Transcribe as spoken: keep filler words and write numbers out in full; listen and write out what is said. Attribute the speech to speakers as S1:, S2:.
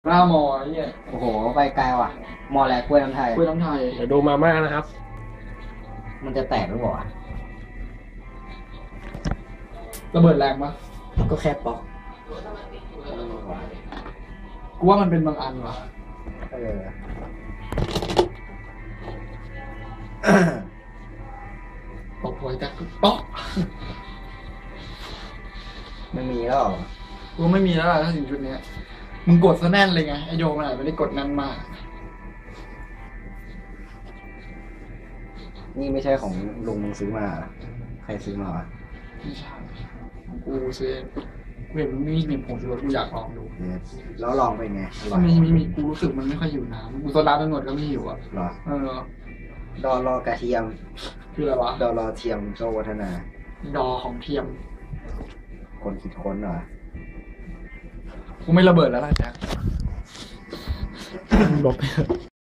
S1: หน้ามอไอ้เนี่ย
S2: โอ้โหไปไกลว่ะมอแลกล้วยน้ำไทย
S1: กล้วยน้ำไทย
S3: เดี๋ยวดูมาม่านะครับ
S2: มันจะแตกหรือเปล่าอะ
S1: ระเบิดแรงปะ
S2: ก็แค่ป๊อก
S1: กูว่ามันเป็นบางอันว่ะ
S2: เออ
S1: ตกหวยแต่ป๊อก
S2: ไม่มีแล้วเหรอ
S1: กูไม่มีแล้วล่ะถ้าถึงชุดเนี้ยมึงกดซะแน่นเลยไงไอโยมันอาจจะไม่ได้กดแน่นมาก
S2: นี่ไม่ใช่ของลุงมึงซื้อมาเหรอใครซื้อมาวะ
S1: ไม่ใช่ของกูซื้อกูเห็นมันมีหนึ่งผงชูรสกูอยากลองดู
S2: เออแล้วลองเป็นไงอร่
S1: ถ้า
S2: อย
S1: มีมีมีกูรู้สึกมันไม่ค่อยหิวน้ำกูโซดาตำรวจก็ไม่หิวอ่ะ
S2: เหรอ
S1: เออ
S2: ดอรอกระเทียม
S1: คืออะไรวะ
S2: ดอรอเทียมโจวัฒนา
S1: ดอของเทียม
S2: คนคิดค้นเหรอ
S1: กูไม่ระเบิดแล้วล่ะแจ็ค
S3: ลบไป